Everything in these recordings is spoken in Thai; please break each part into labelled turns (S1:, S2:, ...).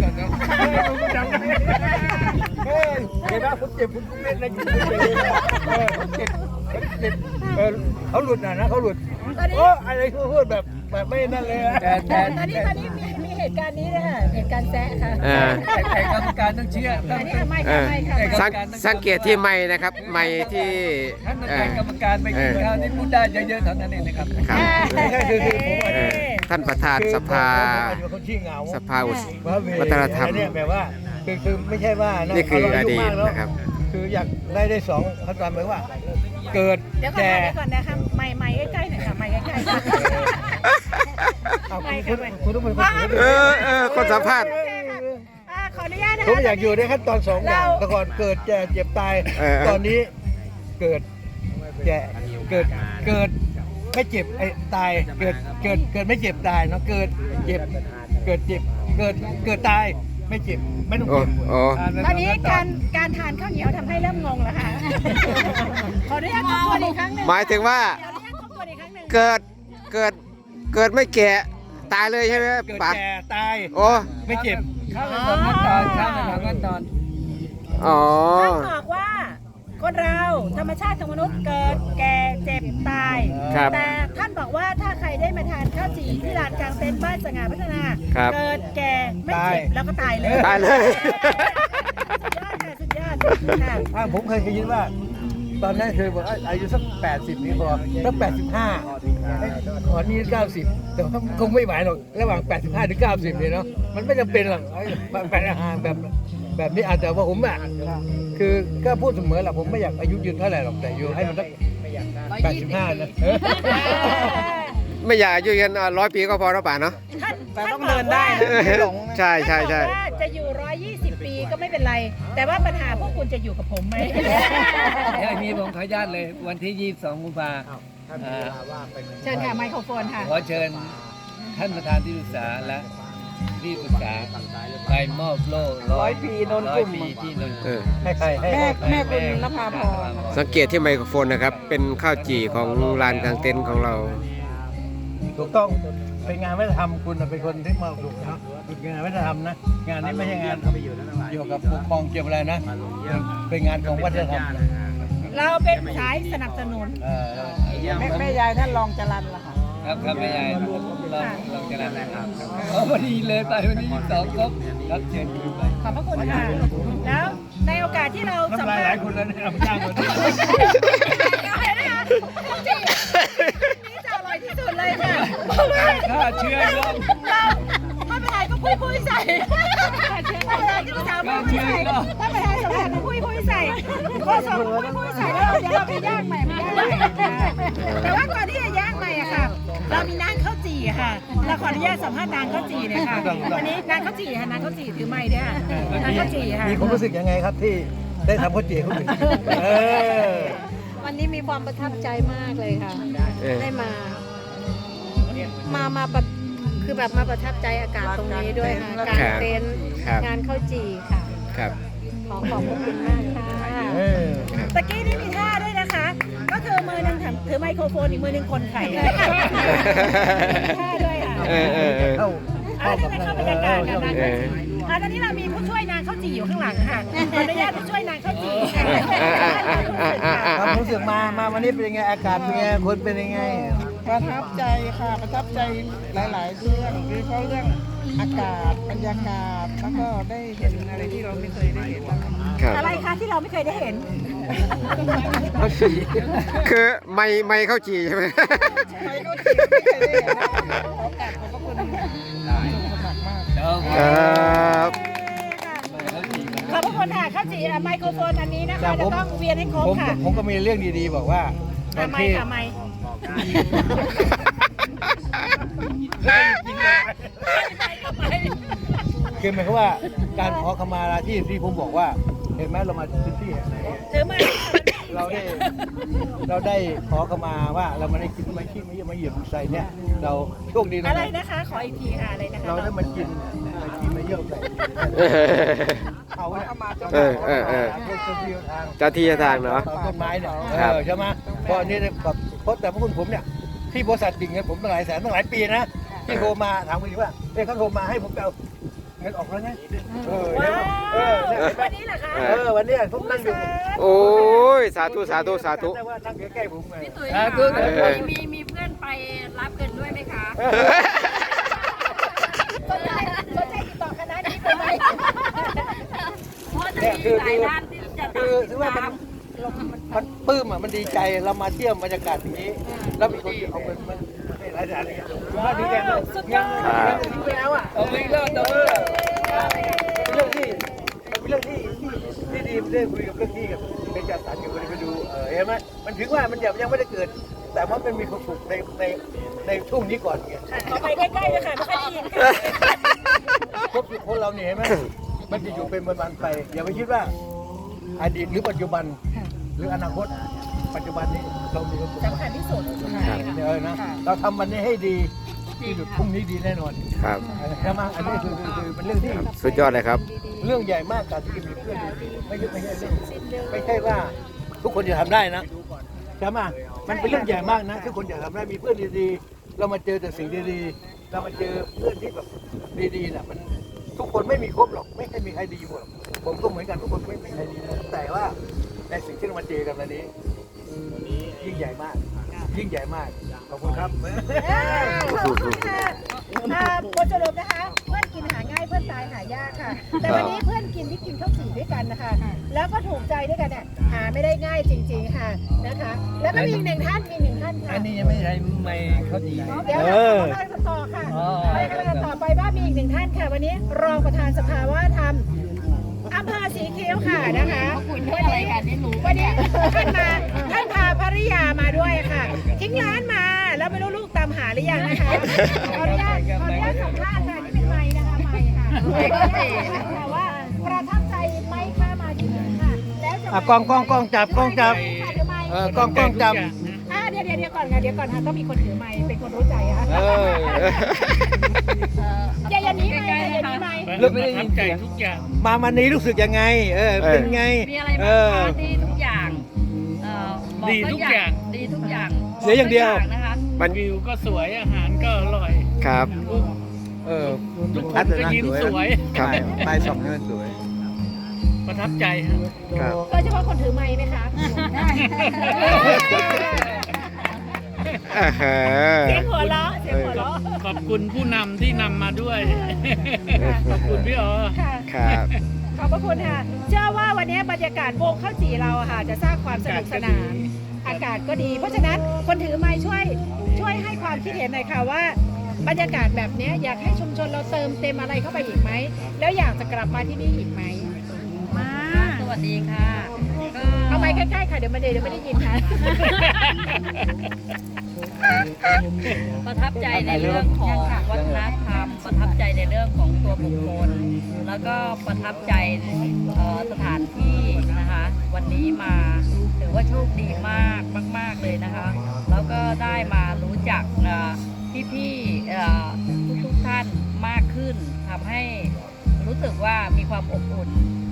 S1: ก่อนนะผมจำได้เฮ้ยเห็นไหมผมเจ็บผมเล่นในจุดนี้เลยผมเจ็บเขาหลุดนะเขาหลุดโอ้อะไรพูดแบบไม่นั่นเลย
S2: แต่ตอนนี้มีเหตุการณ์นี้นะคะเหตุการณ์แซะค่ะ
S1: แต่กรรมการต้องเชื่อ
S2: อันนี้ไม่ค่ะ
S3: สังเกตที่ไม้นะครับไม้ที่
S1: ท่านเป็นกรรมการไปกินข้าวที่พูดได้เยอะๆเท่านั้นเองนะครับคือ
S3: ท่านประธานสภาวัฒนธรรม
S1: เนี่ยแบบว่าคือไม่ใช่ว่า
S3: นี่คืออดีตนะครับ
S1: คืออยากได้สองเขาตามหมายว่าเกิด
S2: แก่ก่อนนะคะไม่ใกล้ๆหน่อยค่ะไม่ใกล้ๆ
S1: คุณต้องเป็น
S3: คนสัมภาษณ์
S2: ขออนุญาตนะคะ
S1: ผมอยากอยู่ในขั้นตอน2อย่างแต่ก่อนเกิดแก่เจ็บตายตอนนี้เกิดแก่เกิดไม่เจ็บไอ้ตายเกิดไม่เจ็บตายเนาะเกิดเจ็บเกิดตายไม่เจ็บไม่ต้องเจ็บ
S2: ตอนนี้การทานข้าวเหนียวทำให้เริ่มงงแล้วค่ะขออนุญาตทบทวนอีกครั้งนึง
S3: หมายถึงว่าเกิดไม่แก่ตายเลยใช่ไหม
S1: เกิดแก่ตายไม่เจ็บ
S2: ข้าวใน2ขั้นตอน
S1: ข้าวใน2ขั้นตอน
S2: ท่านบอกว่าคนเราธรรมชาติของมนุษย์เกิดแก่เจ็บตายแต่ท่านบอกว่าถ้าใครได้มาทานข้าวจี่ที่ร้านกลางเต็นท์บ้านสง่าพัฒนาเกิดแก่ไม่เจ็บแล้วก็ตายเลยสุดยอดค่ะ
S1: ผมเคยคิดว่าตอนนั้นเคยบอกอายุสัก80นี่พอสัก85ขอนี้90แต่คงไม่ไหวหรอกระหว่าง85ถึง90เลยเนาะมันไม่จำเป็นหรอกแบบอาหารแบบนี้อาจจะว่าผมอ่ะคือก็พูดเสมอแหละผมไม่อยากอายุยืนเท่าไหร่หรอกแต่อยู่ให้มันสัก85นะ
S3: ไม่อยากอายุยืน100 ปีก็พอแล้วป่ะเนาะ
S2: แต่ต้องเดินได้นะ
S3: ใช่
S2: จะอยู่120 ปีก็ไม่เป็นไรแต่ว่าปัญหาพวกคุณจะอยู่กับผมไหม
S1: อย่างนี้ผมขออนุญาตเลยวันที่22 กุมภาพันธ์
S2: เชิญค่ะไมโครโฟนค่ะ
S1: ขอเชิญท่านประธานที่ปรึกษาและที่ปรึกษาไปมอบโล่100 ปีนนกุ่มที่นนกุ่มให้ใคร
S2: แม่คุณนภาพร
S3: สังเกตที่ไมโครโฟนนะครับเป็นข้าวจี่ของลานกลางเต็นท์ของเรา
S1: ถูกต้องเป็นงานวัฒนธรรมคุณเป็นคนที่มาถูกนะเป็นงานวัฒนธรรมนะงานนี้ไม่ใช่งานเกี่ยวกับปกครองเกี่ยวอะไรนะเป็นงานของวัฒนธรรม
S2: เราเป็นสายสนับสนุนแม่ยายท่านรองจรัญล่ะค่ะ
S1: ครับแม่ยายลองจรัญนะครับพอดีเลยไปวันนี้2ครบรับเชิญคุณไป
S2: ขอบพระคุณค่ะแล้วในโอกาสที่เราสัมภาษณ์
S1: หลายคนแล้วเนี่ยจ้างคนนี้
S2: นี่จะอร่อยที่สุดเลยค่ะ
S1: ถ้าเชื่อเรา
S2: ถ้าไปไหนก็พุยใส่ถ้าไปไหนก็สาวพุยใส่ถ้าไปไหนสาวก็พุยใส่ก็สองพุยใส่แล้วเดี๋ยวเราไปย่างใหม่แต่ว่าก่อนที่จะย่างใหม่อะค่ะเรามีนางข้าวจี่ค่ะเราขออนุญาตสัมภาษณ์นางข้าวจี่เนี่ยค่ะวันนี้นางข้าวจี่ค่ะนางข้าวจี่ถือไม้ด้วยค่ะนางข้าวจี่ค่ะ
S1: มีความรู้สึกยังไงครับที่ได้ทำข้าวจี่เขาถึง
S4: วันนี้มีความประทับใจมากเลยค่ะได้มาคือแบบมาประทับใจอากาศตรงนี้ด้วยค่ะการเต้นงานข้าวจี่ค่ะ
S3: ครับ
S4: ขอบพระคุณมากค่ะ
S2: ตะกี้นี่มีท่าด้วยนะคะก็คือมือหนึ่งถือไมโครโฟนอีกมือหนึ่งคนไข่ท่าด้วยค่ะเข้าบรรยากาศกันนะตอนนี้เรามีผู้ช่วยนางข้าวจี่อยู่ข้างหลังค่ะขออนุญาตผู้ช่วยนางข้าวจี่
S1: ความรู้สึกมาวันนี้เป็นยังไงอากาศเป็นยังไงคนเป็นยังไง
S5: ประทับใจค่ะประทับใจหลายๆเรื่องโดยเฉพาะเรื่องอากาศบรรยากาศแล้วก็ได้เห็นอะไรที่เราไม่เคยได้เห็น
S2: อะไรคะที่เราไม่เคยได้เห็น
S3: คือไม่ข้าวจี่ใช่ไหม
S5: ไม่ข้าวจี่ไม่เคยได้เห็นนะโอกาสขอบพระคุณมากมาก
S2: ขอบพระคุณค่ะข้าวจี่ไมโครโฟนอันนี้นะคะจะต้องเวียนให้ครบค่ะ
S1: ผมก็มีเรื่องดีๆบอกว่า
S2: ไม่
S1: คือหมายความว่าการขอขมาลาที่ผมบอกว่าเห็นไหมเรามาพื้นที่ไหนเราได้ขอขมาว่าเราไม่ได้กินไม่ขี้ไม่เยี่ยมไม่เหยียบใส่เนี่ยเราโชคดีนะ
S2: อะไรนะคะขออีกทีค่ะอะไรนะคะ
S1: เราได้มากินไม่ขี้ไม่เยี่ยมใส่เขาเนี่ย
S3: เจ้าที่ทางเนาะ
S1: ต้นไม้เนี่ยใช่ไหมเพราะนี่แบบเพราะแต่พวกคุณผมเนี่ยที่บริษัทจริงเนี่ยผมตั้งหลายแสนตั้งหลายปีนะที่โทรมาถามคุณว่าเขาโทรมาให้ผมเอาเงินออกแล้วไง
S2: ว้าว
S1: เนี่ยเห็นไหม
S2: วันนี้เหรอคะ
S1: วันนี้ผมนั่งอยู่
S3: โอ้ยสาธุสาธุสาธุ
S1: แต่ว่านั่งใกล้ๆผมไง
S2: พี่ตุ๋ย
S1: สา
S2: คะ
S1: ธุ
S2: มีเพื่อนไปรับเงินด้วยไหมคะสนใจติดต่อคณะนี้ไหมเพราะจะมีหลายด้านที่จะ
S1: คือถือว่ามันปลื้มอ่ะมันดีใจเรามาเที่ยวบรรยากาศอย่างนี้ แล้วมีคนเอาเงินมาให้รายได้เลยว่าดีใจมากสุดยอดทิ้งไปแล้วอ่ะเอาไปเรื่องเป็นเรื่องที่เป็นเรื่องที่ดีได้คุยกับเรื่องที่กับเป็นการตัดอยู่ไปดูเห็นไหมมันถึงว่ามันยังไม่ได้เกิด แต่ว่ามันมีความสุขในช่วงนี้ก่อนไง
S2: ต่อไปใกล้ๆเลยค่ะไม่ค่อยได้ยินค่ะ
S1: ครบคนเราเนี่ยเห็นไหมมันจะอยู่เป็นวันๆไปอย่าไปคิดว่าอดีตหรือปัจจุบันหรืออนาคตปัจจุบันนี้เรามีความสุข
S2: สำคัญที่สุด
S1: นะเราทำวันนี้ให้ดีที่สุดพรุ่งนี้ดีแน่นอน
S3: ครับ
S1: ใช่ไหมอันนี้คือเป็นเรื่องที่
S3: สุดยอดเลยครับ
S1: เรื่องใหญ่มากการที่มีเพื่อนดีๆไม่ใช่เรื่องไม่ใช่ว่าทุกคนจะทำได้นะใช่ไหมมันเป็นเรื่องใหญ่มากนะทุกคนอยากทำได้มีเพื่อนดีๆเรามาเจอแต่สิ่งดีๆเรามาเจอเพื่อนที่แบบดีๆน่ะมันทุกคนไม่มีครบหรอกไม่ใช่มีใครดีหมดผมก็เหมือนกันทุกคนไม่มีใครดีหมดแต่ว่าในสิ่งที่เรามาเจอกันวันนี้ยิ่งใหญ่มาก ยิ่งใหญ่มากขอบคุณครับ
S2: ขอบคุณค่ะบทสรุปนะคะ เพื่อนกินหาง่ายเพื่อนตายหายากค่ะ แต่วันนี้เพื่อนกินที่กินข้าวจี่ด้วยกันนะคะ แล้วก็ถูกใจด้วยกันเนี่ยหาไม่ได้ง่ายจริงๆค่ะนะคะ แล้วก็มีอีกหนึ่งท่านค่ะ
S1: อันนี้ยังไม่ใช่ไม่เขาดี
S2: เดี๋ยวเรากำลังจะต่อค่ะไปกำลังจะต่อไปว่ามีอีกหนึ่งท่านค่ะ วันนี้รองประธานสภาว่าทำอำเภอสีคิ้วค่ะนะคะวันนี้ท่านพาภริยามาด้วยค่ะทิ้งร้านมาแล้วไม่รู้ลูกตามหาหรือยังนะคะขออนุญาตสัมภาษณ์ค่ะนี่เป็นไมค์นะคะไมค์ค่ะแต่ว่าประทับใจไหมค่ะมาที่นี่ค่ะแล้วจะ
S1: กล้องจับกล้องจับ กล้องจับ
S2: เดี๋ยวก่อนค่ะต้องมีคนถือไมค์เป็นคนรู้ใจค่ะอย่านี้ไมค์อย่านี้ไมค์
S1: เรื่องไม่ได้ยินใจทุกอย่างมาวันนี้รู้สึกยังไงเป็นไง
S6: มีอะไรบ้างคะดีทุกอย่างบอก
S7: ดีทุกอย่าง
S6: ดีทุกอย่าง
S1: เสียอย่างเดียว
S6: นะคะ
S7: วิวก็สวยอาหารก็อร่อย
S3: ครับ
S7: ทุกคนก็ยิ้มสวย
S3: ครับ
S1: ไปสองเงินสวย
S7: ประทับใจฮะ
S3: ครับ
S2: โดยเฉพาะคนถือไมค์ไหมคะ เสียงหัวเราะ
S7: ขอบคุณผู้นำที่นำมาด้วย ขอบคุณพี่อ๋อ
S2: ค่ะ
S3: ครับ
S2: ขอบพระคุณค่ะ เชื่อว่าวันนี้บรรยากาศวงข้าวจี่เราอะค่ะจะสร้างความสนุกสนาน อากาศก็ดี เพราะฉะนั้นคนถือไม้ช่วยให้ความคิดเห็นหน่อยค่ะว่าบรรยากาศแบบนี้อยากให้ชุมชนเราเติมเต็มอะไรเข้าไปอีกไหม แล้วอยากจะกลับมาที่นี่อีกไหม
S6: สวัสดีค่ะก็
S2: เอาไม้ใกล้ๆค่ะเดี๋ยวไม่ได้ยินค่ะ
S6: ประทับใจในเรื่องของวัฒนธรรม ประทับใจในเรื่องของตัวบุคคล แล้วก็ประทับใจสถานที่นะคะ วันนี้มาถือว่าโชคดีมากมากๆเลยนะคะ แล้วก็ได้มารู้จักพี่ๆทุกท่านมากขึ้นทำให้รู้สึกว่ามีความอบอุ่น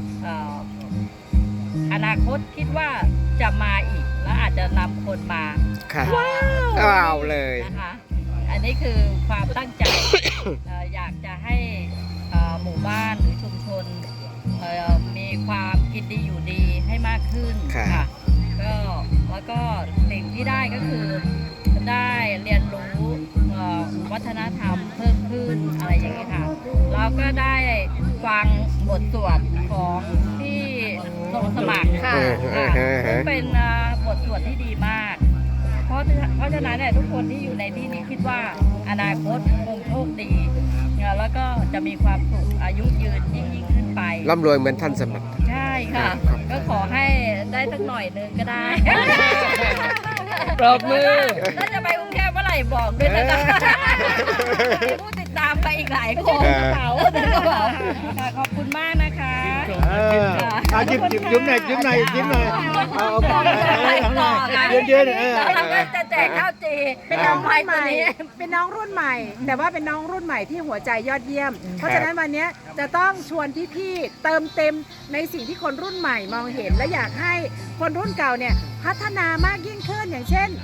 S6: อนาคตคิดว่าจะมาอีกและอาจจะนำคนมา
S3: ครับว้าวเลย
S6: นะคะ อันนี้คือความตั้งใจ อยากจะให้หมู่บ้านหรือชุมชนมีความกินดีอยู่ดีให้มากขึ้น
S3: ครับ
S6: ค่ะก็แล้วก็สิ่งที่ได้ก็คือได้เรียนรู้วัฒนธรรมเพิ่มขึ้นอะไรอย่างนี้ค่ะแล้วก็ได้ฟังบทสวดของที่ลงสมัคร
S2: ค่ะ
S6: ซึ่งเป็นบทสวดที่ดีมาก เพราะฉะนั้นเนี่ยทุกคนที่อยู่ในที่นี้คิดว่าอนาคตคงโชคดีแล้วก็จะมีความสุขอายุยืนยิ่งขึ้นไป
S3: ร่ำรวยเหมือนท่านสมัคร
S6: ใช่ค่ะ ก็ขอให้ได้สักหน่อยนึงก็ได้
S3: ปรบมือ
S6: ถ้าจะไปกรุงเทพเมื่อไหร่บอกด้วยนะจ๊ะมีผู้ติดตามไปอีกหลายคน
S3: เออ
S6: ค่ะขอบคุณมากนะคะ
S1: ยิ้มหน่อยเอาเยอะๆ
S6: เราก็จะแจกข้าวจี
S2: เป็นน้องรุ่นใหม่ เป็นน้องรุ่นใหม่ แต่ว่าเป็นน้องรุ่นใหม่ที่หัวใจยอดเยี่ยม เพราะฉะนั้นวันนี้จะต้องชวนพี่ๆเติมเต็มในสิ่งที่คนรุ่นใหม่มองเห็น และอยากให้คนรุ่นเก่าเนี่ยพัฒนามากยิ่งขึ้นอย่างเช่น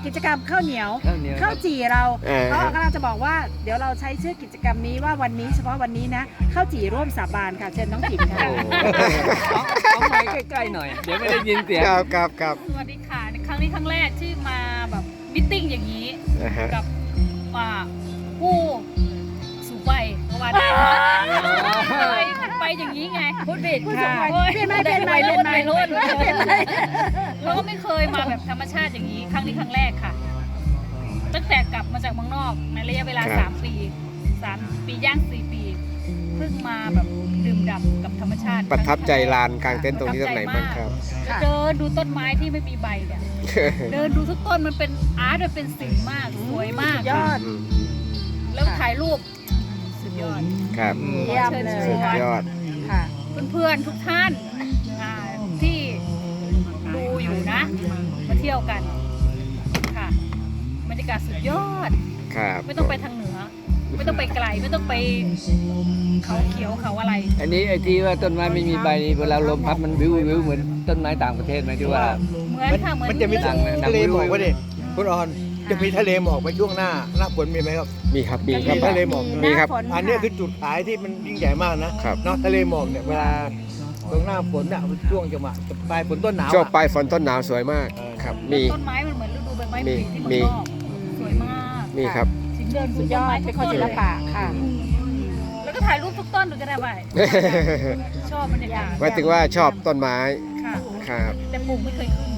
S2: กิจกรรมข้าวเหนียว
S1: ข้าวเหนียว
S2: ข้าวจี่เรา
S3: เออ
S2: เขากำลังจะบอกว่าเดี๋ยวเราใช้ชื่อกิจกรรมนี้ว่าวันนี้เฉพาะวันนี้นะข้าวจี่ร่วมสาบานค่ะเชิญน้องจิ๋มค่ะ
S1: เอาไม้ใกล้ๆหน่อย เดี๋ยวไม่ได้ยินเสียง
S3: ครับ
S6: สวัสดีค่ะในครั้งนี้ครั้งแรกที่มาแบบมิทติ้งอย่างนี้
S3: นะฮะ
S6: กับผู้สูงวัยเพราะว่าได้ไปอย่างนี้ไงพูดผิดค่ะ
S2: เปลี่ยนไหมเปลี่ยนไหม
S6: วัยรุ่น
S2: เปลี่
S6: วั
S2: ย
S6: ย
S2: นไหม
S6: รุ่น
S2: เปลี่ยนไหม
S6: เราก็ไม่เคยมาแบบธรรมชาติอย่างนี้ ครั้งนี้ครั้งแรกค่ะ ตั้งแต่กลับมาจากเมืองนอกในระยะเวลา
S3: ครับ
S6: 3 ปี 3 ปีย่าง 4 ปีเพิ่งมาแบบดื่มด่ำกับธรรมชาติ
S3: ประทับใจลานกลางเต็นท์ตรงนี้ตรงไหนบ้างครับ
S6: เดินดูต้นไม้ที่ไม่มีใบเนี่ยเดินดูทุกต้นมันเป็นอาร์ตมันเป็นศิลป์มากสวยมาก
S2: ยอด
S6: แล้วถ่ายรูปสุดยอด
S3: ครับ
S2: เยี่ยมเลย
S3: สุดยอด
S2: ค่ะ
S6: เพื่อนๆทุกท่านที่ดูอยู่นะ มาเที่ยวกันค่ะบรรยากาศสุดยอด
S3: ครับ
S6: ไม่ต้องไปทางเหนือ ไม่ต้องไปไกลไม่ต้องไปเขาเขียวเขาอะไร
S1: อันนี้ไอ้ที่ว่าต้นไม้ไม่มีใบนี่เวลาลมพัดมันวิวเหมือนต้นไม้ต่างประเทศไหมที่ว่า
S6: เหมือนค่ะเหมือน
S1: มันจะมี
S6: เรื่อง
S1: ทะเลหมอกวะดิคุณออนจะมีทะเลหมอกไปช่วงหน้าฝนมีไหมครับ
S3: มีครับ มีค
S1: มี
S3: รับ
S1: ทะเลหมอก
S3: มีครับ
S2: หน้าฝ
S1: อันนี้คือจุดขายที่มันยิ่งใหญ่มากนะครับ เนาะทะเลหมอกเนี่ยเวลาตรงหน้าฝนเนี่ยช่วงจังหวะปลายฝนต้นหนาว
S3: ช่วง
S1: อะ
S3: ปลายฝนต้นหนาวสวยมาก ครับ มี
S6: ต้นไม้มันเหมือนฤดูใบไม้ผลิที่
S3: มี
S6: เมืองนอกสวยมาก
S3: มีครับ
S6: ชิมเดิน
S2: สุ
S6: สุ
S2: ด
S6: ด
S2: ย
S6: ย
S2: อ
S6: อ
S2: ด
S6: ด
S2: เป็นคนศิลปะค่ะ
S6: แล้วก็ถ่ายรูปทุกต้นดูก็ได้ไปชอบบรรยากาศ
S3: หมายถึงว่าชอบต้นไม้
S6: ค่ะ
S3: ครับ
S6: แต่ปลูกไม่เคยขึ้น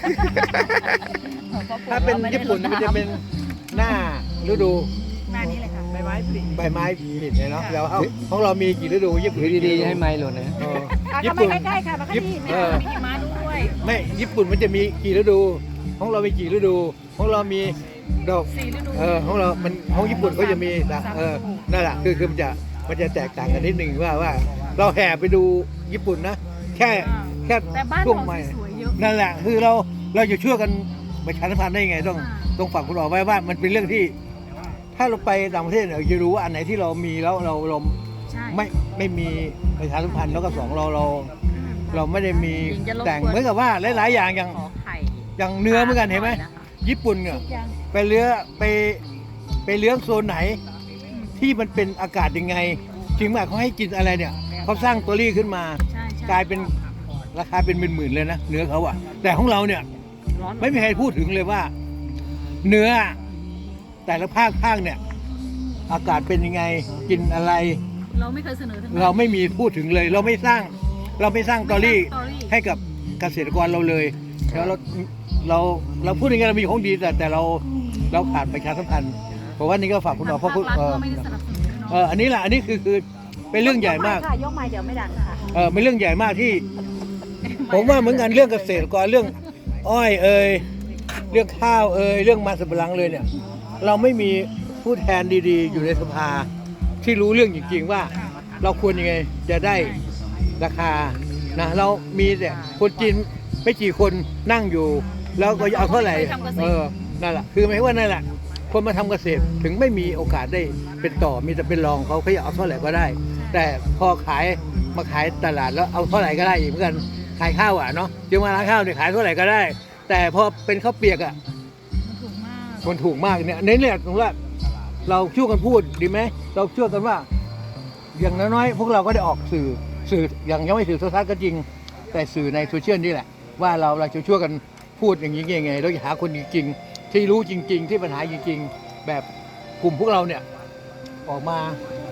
S1: ถ้าเป็นญี่ปุ่นมันจะเป็นหน้าฤดู
S6: หน้านี้เลยค่ะ
S1: ใบไม้ผลิเนี่ยเนาะแล้วของเรามีกี่ฤดูญี่ปุ่นดีๆให้ไม้หล่นนะ
S2: อ่ะ
S1: ญี่
S2: เข้า
S1: ปุ่น
S2: มาใกล้ๆค่ะมาใกล้ที่
S1: เออ
S6: มีหิมะด้วย
S1: ไม่ญี่ปุ่นมันจะมีกี่ฤดู ของเรามีกี่ฤดู ของเรามีดอก
S6: 4 ฤดู
S1: ของเรามันของญี่ปุ่นเขาจะมีนะนั่นแหละคือมันจะแตกต่างกันนิดหนึ่งว่าเราแห่ไปดูญี่ปุ่นนะแค่
S6: แต่บ้าน
S1: ช่วง
S6: เรา
S1: ใหม่
S6: สวยๆเยอะ
S1: นั่นแหละคือเราจะช่วยกันประชาสัมพันธ์ได้ยังไงต้องฝากคุณออกไว้ว่ามันเป็นเรื่องที่ ถ้าเราไปต่างประเทศเนี่ยเราจะรู้ว่าอันไหนที่เรามีแล้วเรา
S6: ใช่
S1: ไม่มีประชาสัมพันธ์แล้วก็สองเราไม่ได้มี
S6: หญิงจะรบกวน
S1: แต่งเหมือนกับว่าหลายๆอย่างอย่าง
S6: ขอไข่
S1: อย่างเนื้อเหมือนกันเห็นไหมญี่ปุ่นเนี่ยไปเลี้ยงโซนไหนที่มันเป็นอากาศยังไงถึงแม้เขาให้กินอะไรเนี่ยเขาสร้างตัวรี่ขึ้นมา
S6: ใช่ใช่
S1: กลายเป็นราคาเป็นหมื่นๆเลยนะเนื้อเขาอะแต่ของเราเนี่ย
S6: ร้อน
S1: ไม่มีใครพูดถึงเลยว่า เนื้อแต่ละภาคเนี่ยอากาศเป็นยังไงกินอะไร
S6: เราไม่เคยเสนอถึง
S1: เราไม่มีพูดถึงเลย เราไม่สร้างตอรี่
S6: สตอรี่
S1: ให้กับเกษตรกรเราเลยแล้วเราพูดยังไงเรามีของดีแต่เราขาดประชาสัมพันธ์เพราะว่านี่ก็ฝากคุณหมอเพราะคุณ
S6: ภาครัฐก็ไม่ได้สนับสนุนด้วยเนาะ
S1: อันนี้แหละอันนี้คือเป็นเรื่องใหญ่มาก
S2: ค่ะยกไม้เดี๋ยวไม่ดังค่ะ
S1: เป็นเรื่องใหญ่มากที่ ผมว่าเหมือนกันเรื่องเกษตรกรเรื่องอ้อยเรื่องข้าวเรื่องมันสำปะหลังเลยเนี่ย เราไม่มีผู้แทนดีๆ อยู่ในสภาที่รู้เรื่องจริงๆว่า เราควรยังไงจะได้ราคานะเรามีแต่คนจีนไม่กี่คนนั่งอยู่ แล้วก็เอาเท่าไหร่นั่นแหละคือหมายว่านั่นแหละคนมาทำเกษตรถึงไม่มีโอกาสได้เป็นต่อมีแต่เป็นรองเขาอยากเอาเท่าไหร่ก็ได้ แต่พอมาขายตลาดแล้วเอาเท่าไหร่ก็ได้อีกเหมือนกันขายข้าวเนาะจึงมาร้านข้าวเนี่ยขายเท่าไหร่ก็ได้ แต่พอเป็นข้าวเปียกมันถูกมากเนี่ยเน้นเนี่ยตรงว่าเราช่วยกันพูดดีไหมเราช่วยกันว่า อย่างน้อยๆพวกเราก็ได้ออกสื่ออย่างยังไม่สื่อโทรทัศน์ก็จริง แต่สื่อในโซเชียลนี่แหละว่าเราจะช่วยกันพูดอย่างนี้ยังไงเราจะหาคนจริงๆที่รู้จริงๆที่ปัญหาจริงๆแบบกลุ่มพวกเราเนี่ยออกมา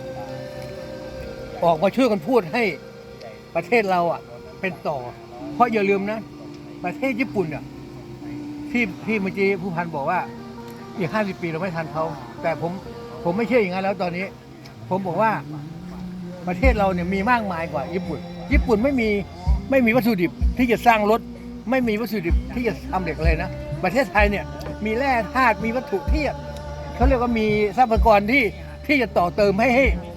S1: ช่วยกันพูดให้ประเทศเราเป็นต่อเพราะอย่าลืมนะประเทศญี่ปุ่นที่เมื่อกี้ผู้พันบอกว่าอีก50 ปีเราไม่ทันเขาแต่ผมไม่เชื่ออย่างนั้นแล้วตอนนี้ผมบอกว่าประเทศเราเนี่ยมีมากมายกว่าญี่ปุ่นไม่มีวัตถุดิบที่จะสร้างรถไม่มีวัตถุดิบที่จะทำเหล็กเลยนะประเทศไทยเนี่ยมีแร่ธาตุมีวัตถุที่เขาเรียกว่ามีทรัพยากรที่จะต่อเติมให้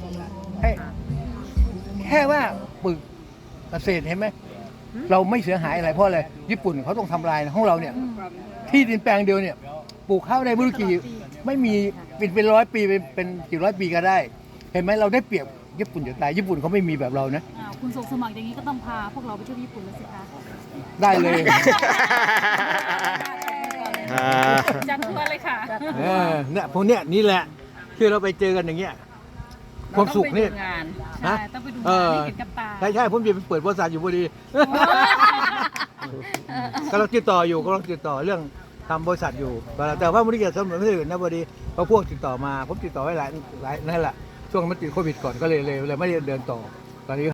S1: แค่ว่าปึกเกษตรเห็นไหมเราไม่เสียหายอะไรเพราะอะไรญี่ปุ่นเขาต้องทำลายนะของเราเนี่ยที่ดินแปลงเดียวเนี่ยปลูกข้าวได้ไม่รู้กี่ไม่มีเป็น100 ปีเป็นกี่ร้อยปีก็ได้ เห็นไหมเราได้เปรียบญี่ปุ่นจะตายญี่ปุ่นเขาไม่มีแบบเรานะ
S6: คุณส่งสมัครอย่างนี้ก็ต้องพาพวกเราไปเที่ยวญี่ปุ่นแล้วสิคะ
S1: ได้เลย
S6: จัดทัวร์เลยค่ะ
S1: เนี่ยพวกเนี้ยนี่แหละที่เราไปเจอกันอย่างเงี้ยความสุขนี่
S6: งาน
S1: ฮะ
S6: ต้องไปดูงานให้เห็นกับตา
S1: ใช่ผมจะไปเปิดบริษัทอยู่พอดีกำลังติดต่อเรื่องทำบริษัทอยู่แต่ว่าไม่ได้เกี่ยวกับไม่ได้อื่นนะพอดีเพราะพวกติดต่อมาผมติดต่อไว้หลายนั่นแหละช่วงมันติดโควิดก่อนก็เลยไม่ได้เดินต่อตอนนี้